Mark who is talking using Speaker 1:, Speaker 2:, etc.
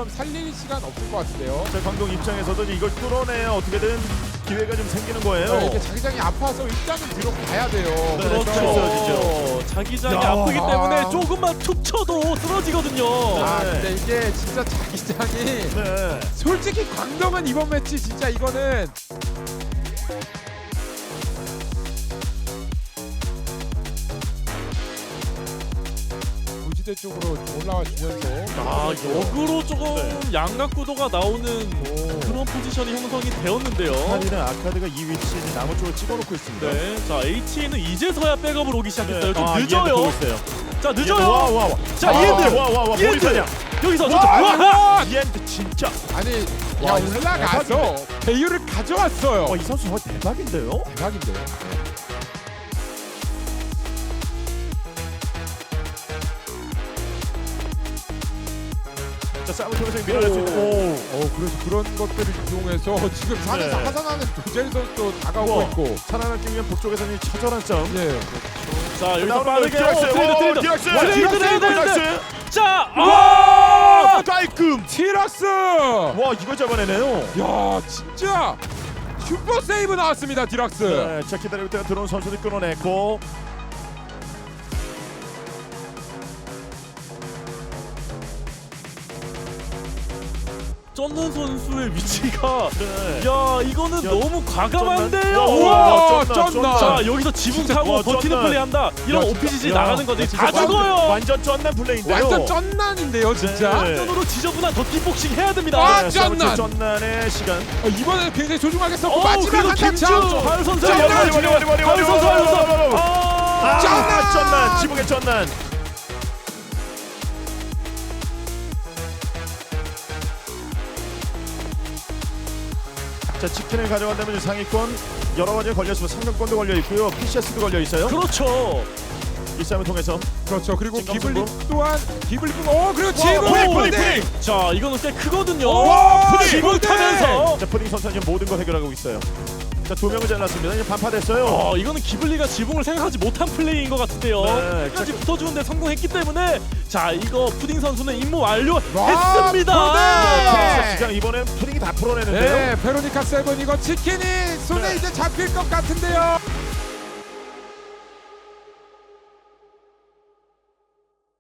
Speaker 1: 지금 살릴 시간 없을 것 같은데요.
Speaker 2: 자, 광동 입장에서도 이걸 뚫어내야 어떻게든 기회가 좀 생기는 거예요.
Speaker 1: 이게 자기장이 아파서 일단은 들어가야 돼요.
Speaker 2: 네,
Speaker 1: 그래서
Speaker 2: 쓰러지죠.
Speaker 3: 자기장이
Speaker 2: 야.
Speaker 3: 아프기 때문에 조금만 툭 쳐도 쓰러지거든요.
Speaker 1: 아
Speaker 2: 네.
Speaker 1: 근데 이게 진짜 자기장이
Speaker 2: 네.
Speaker 1: 솔직히 광동은 이번 매치 진짜 이거는 고지대 쪽으로 올라와 주면서
Speaker 3: 아, 역으로 조금
Speaker 2: 네.
Speaker 3: 양각 구도가 나오는 그런 포지션이 형성이 되었는데요.
Speaker 2: 한이는 아카드가 이 위치 나무 쪽을 찍어놓고 있습니다.
Speaker 3: 네, 자 AT는 이제서야 백업을 오기 시작했어요. 좀
Speaker 2: 아,
Speaker 3: 늦어요.
Speaker 2: 보고 있어요.
Speaker 3: 자 늦어요.
Speaker 2: 와.
Speaker 3: 자 이엔드.
Speaker 2: 와와와
Speaker 3: 이엔드.
Speaker 2: 모리타냐.
Speaker 3: 여기서 저
Speaker 2: 와 이엔드 진짜.
Speaker 1: 아니 야
Speaker 2: 와, 이거
Speaker 1: 올라가서 배율을 가져왔어요.
Speaker 2: 이 선수 정말 대박인데요.
Speaker 1: 대박인데요.
Speaker 2: 자 싸움을 통해서 밀어낼 수 있는.
Speaker 1: 그래서 그런 것들을 이용해서 지금 산에서
Speaker 2: 네.
Speaker 1: 하산하는 도젤 선수도 다가오고
Speaker 2: 우와.
Speaker 1: 있고.
Speaker 2: 살아남기 위한 북쪽에서는 이 처절한 싸움.
Speaker 1: 예.
Speaker 3: 자 여기서
Speaker 2: 나오는
Speaker 3: 빠르게
Speaker 2: 디락스.
Speaker 3: 트레이드.
Speaker 2: 디락스.
Speaker 3: 트레이드. 자
Speaker 2: 와 깔끔.
Speaker 1: 티락스!
Speaker 2: 와 이걸 잡아내네요.
Speaker 1: 야 진짜 슈퍼 세이브 나왔습니다 디락스.
Speaker 2: 네, 자 기다리고 있다가 들어온 선수들 끊어냈고.
Speaker 3: 쩐는 선수의 위치가
Speaker 2: 네.
Speaker 3: 야 이거는
Speaker 2: 야,
Speaker 3: 너무 과감한데요.
Speaker 2: 쩐난.
Speaker 3: 우와.
Speaker 1: 쩐난.
Speaker 3: 자 여기서 지붕 타고
Speaker 2: 와,
Speaker 3: 버티는
Speaker 2: 쩐난.
Speaker 3: 플레이한다. 이런
Speaker 1: 야,
Speaker 3: OPGG
Speaker 2: 진짜.
Speaker 3: 나가는 거지.
Speaker 2: 진짜
Speaker 3: 다 죽어요.
Speaker 2: 완전 쩐난 플레이인데요.
Speaker 1: 완전 쩐난인데요 진짜.
Speaker 2: 네.
Speaker 3: 완전으로 지저분한 더티복싱 해야 됩니다.
Speaker 1: 아,
Speaker 2: 네,
Speaker 1: 쩐난.
Speaker 2: 쩐난의 시간.
Speaker 1: 이번에는 굉장히 소중하게 썼고
Speaker 3: 어우,
Speaker 1: 마지막
Speaker 3: 그래도
Speaker 1: 한타
Speaker 3: 김지훈
Speaker 1: 차.
Speaker 3: 하윤 선수
Speaker 1: 쩐난.
Speaker 3: 하윤 선수 하윤 선수
Speaker 2: 아,
Speaker 1: 쩐난.
Speaker 2: 쩐난 지붕의 쩐난. 자 치킨을 가져간다면 상위권 여러 가지에 걸려 있고 상금권도 걸려 있고요, PCS도 걸려 있어요.
Speaker 3: 그렇죠.
Speaker 2: 이 싸움을 통해서
Speaker 1: 그렇죠. 그리고
Speaker 2: 진검승부.
Speaker 1: 기블리 또한 기블리 그리고
Speaker 2: 푸딩.
Speaker 3: 자 이거는 꽤 크거든요.
Speaker 1: 와,
Speaker 3: 푸딩
Speaker 1: 푸딩.
Speaker 3: 지붕 타면서.
Speaker 2: 자 푸딩 선수는 지금 모든 걸 해결하고 있어요. 자 두 명을 잘랐습니다. 이제 반파됐어요.
Speaker 3: 이거는 기블리가 지붕을 생각하지 못한 플레이인 것 같은데요.
Speaker 2: 네,
Speaker 3: 끝까지 붙어주는데 성공했기 때문에 자 이거 푸딩 선수는 임무 완료했습니다.
Speaker 1: 푸딩!
Speaker 2: 시장 이번엔 푸딩이 다 풀어내는데요.
Speaker 1: 네, 베로니카 세븐 이거 치킨이 손에
Speaker 2: 네.
Speaker 1: 이제 잡힐 것 같은데요.